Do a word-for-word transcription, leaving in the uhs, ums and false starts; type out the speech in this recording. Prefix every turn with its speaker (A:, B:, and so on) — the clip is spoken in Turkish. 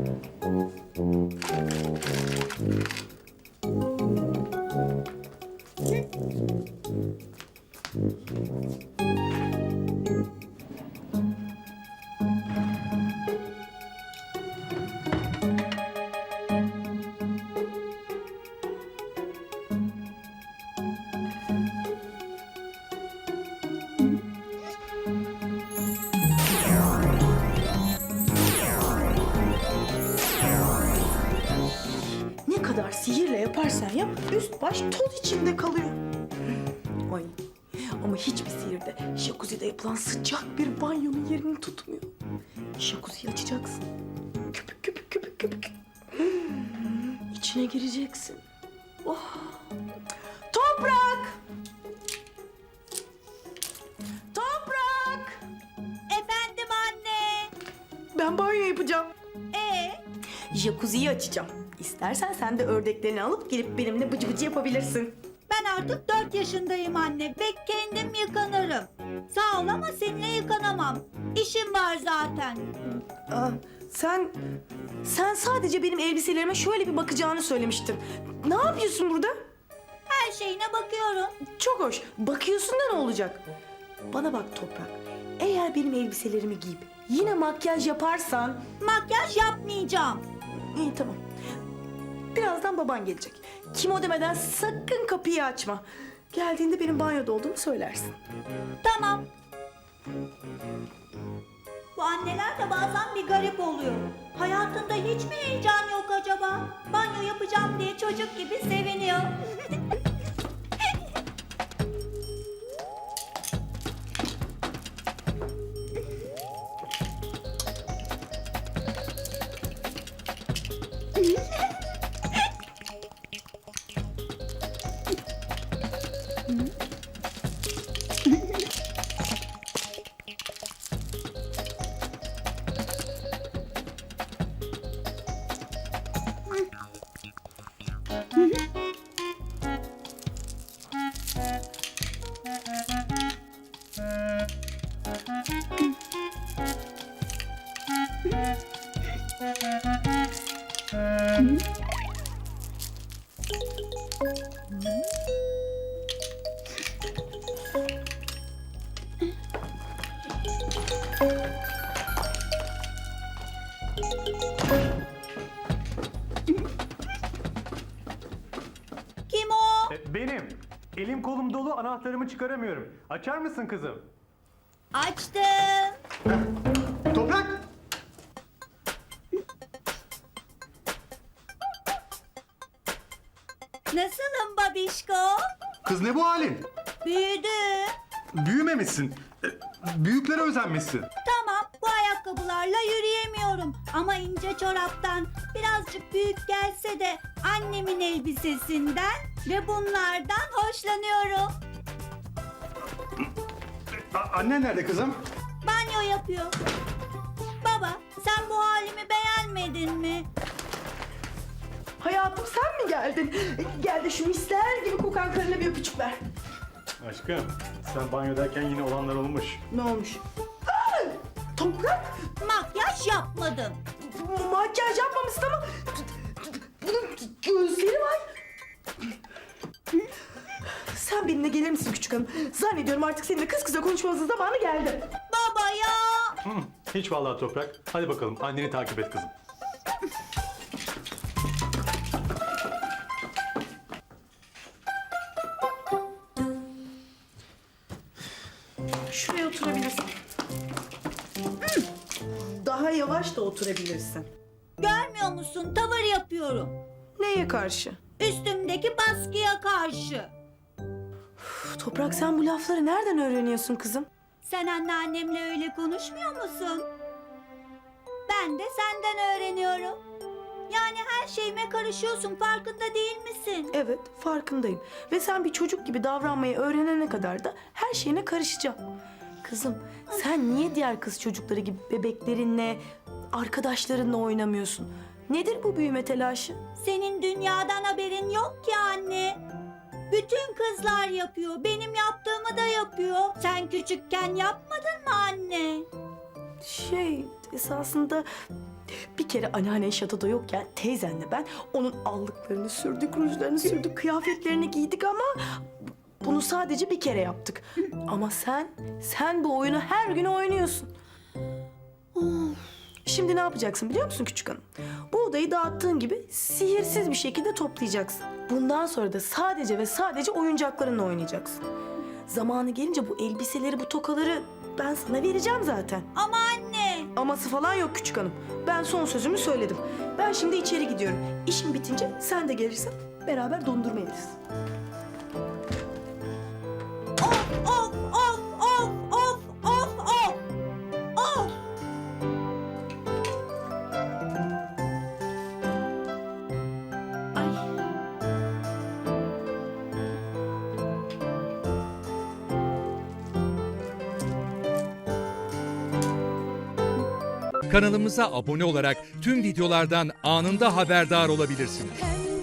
A: Ne kadar sihirle yaparsan yap, üst baş toz içinde kalıyor. Ay, ama hiçbir sihirde jacuzzi'de yapılan sıcak bir banyonun yerini tutmuyor. Jacuzziyi açacaksın. Köpük köpük köpük köpük. Hmm, İçine gireceksin. Oh. Toprak! Toprak!
B: Efendim anne.
A: Ben banyo yapacağım.
B: Ee,
A: Jacuzziyi açacağım. İstersen sen de ördeklerini alıp gelip benimle bıcı bıcı yapabilirsin.
B: ben artık dört yaşındayım anne ve kendim yıkanırım. Sağ ol ama seninle yıkanamam. İşim var zaten.
A: Aa, sen sen sadece benim elbiselerime şöyle bir bakacağını söylemiştin. Ne yapıyorsun burada?
B: Her şeyine bakıyorum.
A: Çok hoş. Bakıyorsun da ne olacak? Bana bak Toprak. Eğer benim elbiselerimi giyip yine makyaj yaparsan...
B: Makyaj yapmayacağım.
A: İyi tamam. Birazdan baban gelecek. Kim o demeden sakın kapıyı açma. Geldiğinde benim banyoda olduğumu söylersin.
B: Tamam. Bu anneler de bazen bir garip oluyor. Hayatında hiç mi heyecan yok acaba? Banyo yapacağım diye çocuk gibi seviniyor. Kim o?
C: E, Benim. Elim kolum dolu, anahtarımı çıkaramıyorum. Açar mısın kızım?
B: Açtım.
C: Toprak!
B: Nasılım babişko?
C: Kız ne bu halin?
B: Büyüdüm.
C: Büyümemişsin. E, Büyüklere özenmişsin.
B: Tamam, bu ayakkabılarla yürüyemiyorum. Ama ince çoraptan birazcık büyük gelse de annemin elbisesinden ve bunlardan hoşlanıyorum.
C: A- annen nerede kızım?
B: Banyo yapıyor. Baba, sen bu halimi beğenmedin mi?
A: Hayatım sen mi geldin? Gel de şu misler gibi kokan karına bir öpücük ver.
C: Aşkım, sen banyodayken yine olanlar olmuş.
A: Ne olmuş? Aa, Toprak!
B: Makyaj yapmadım.
A: Makyaj yapmamışsın ama bunun gözleri var. Sen benimle gelir misin küçük hanım? Zannediyorum artık seninle kız kıza konuşmamızın zamanı geldi.
B: Baba ya!
C: Hı, hiç vallahi Toprak. Hadi bakalım, anneni takip et kızım.
A: Şuraya oturabilirsin. Daha yavaş da oturabilirsin.
B: Görmüyor musun? Tavır yapıyorum.
A: Neye karşı?
B: Üstümdeki baskıya karşı.
A: Üf, Toprak sen bu lafları nereden öğreniyorsun kızım?
B: Sen anneannemle öyle konuşmuyor musun? Ben de senden öğreniyorum. Yani her şeyime karışıyorsun, farkında değil misin?
A: Evet, farkındayım. Ve sen bir çocuk gibi davranmayı öğrenene kadar da her şeyine karışacağım. Kızım, sen niye diğer kız çocukları gibi bebeklerinle, arkadaşlarınla oynamıyorsun? Nedir bu büyüme telaşı?
B: Senin dünyadan haberin yok ki anne. Bütün kızlar yapıyor, benim yaptığımı da yapıyor. Sen küçükken yapmadın mı anne?
A: Şey, esasında bir kere anneannen şatoda yokken teyzenle ben onun allıklarını sürdük, rujlarını sürdük, kıyafetlerini giydik ama bunu sadece bir kere yaptık. Ama sen, sen bu oyunu her gün oynuyorsun. Şimdi ne yapacaksın biliyor musun küçük hanım? Bu odayı dağıttığın gibi sihirsiz bir şekilde toplayacaksın. Bundan sonra da sadece ve sadece oyuncaklarınla oynayacaksın. Zamanı gelince bu elbiseleri, bu tokaları ben sana vereceğim zaten.
B: Ama anne.
A: Aması falan yok küçük hanım. Ben son sözümü söyledim. Ben şimdi içeri gidiyorum. İşim bitince sen de gelirsin. Beraber dondurma yeriz.
B: Of of of of of of of. Of.
A: Ay.
D: Kanalımıza abone olarak tüm videolardan anında haberdar olabilirsiniz.
E: Pembe